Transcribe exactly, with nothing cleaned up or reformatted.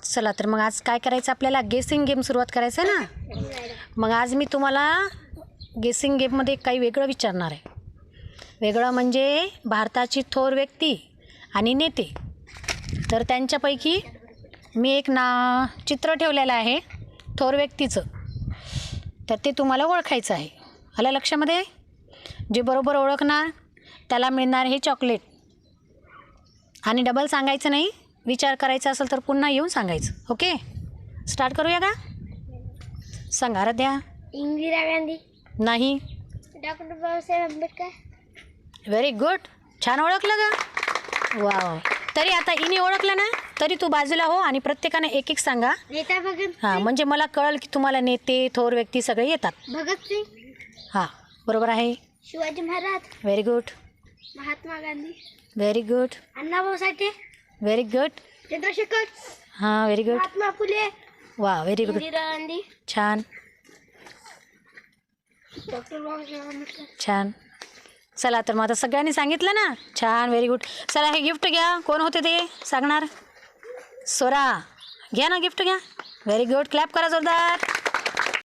चला तर मग आज काय करायचं आपल्याला गेसिंग गेम सुरुवात करायचं आहे ना. मग आज मी तुम्हाला गेसिंग गेममध्ये काही वेगळं विचारणार आहे. वेगळं म्हणजे भारताची थोर व्यक्ती आणि नेते. तर त्यांच्यापैकी मी एक ना चित्र ठेवलेलं आहे थोर व्यक्तीचं. तर ते तुम्हाला ओळखायचं आहे. आलं लक्षामध्ये? जे बरोबर ओळखणार त्याला मिळणार हे चॉकलेट. आणि डबल सांगायचं नाही. विचार करायचा असेल तर पुन्हा येऊन सांगायचं. ओके, स्टार्ट करूया का? सांगा आराध्या. इंदिरा गांधी. नाही. Doctor Babasaheb Ambedkar. Very good, छान ओळखलं का? वाव. तरी आता इने ओळखलं ना, तरी तू बाजूला हो आणि प्रत्येकाने एक एक सांगा. नेता भगत हां, म्हणजे मला कळेल की तुम्हाला नेते थोर व्यक्ती सगळे येतात. भगत सिंग. हां बरोबर आहे. Shivaji Maharaj. Very good. Mahatma Gandhi. Very good. Annabhau Sathe. Very good. Chandrashekhar. हां व्हेरी गुड. महात्मा फुले. वा व्हेरी गुड, इंदिरा गांधी. छान डॉक्टर बाबासाहेब आंबेडकर. छान. चला तर मग आता सगळ्यांनी सांगितलं ना, छान व्हेरी गुड. चला हे गिफ्ट घ्या. कोण होते ते सांगणार? सोरा, घ्या ना गिफ्ट घ्या. व्हेरी गुड, क्लॅप करा जोरदार.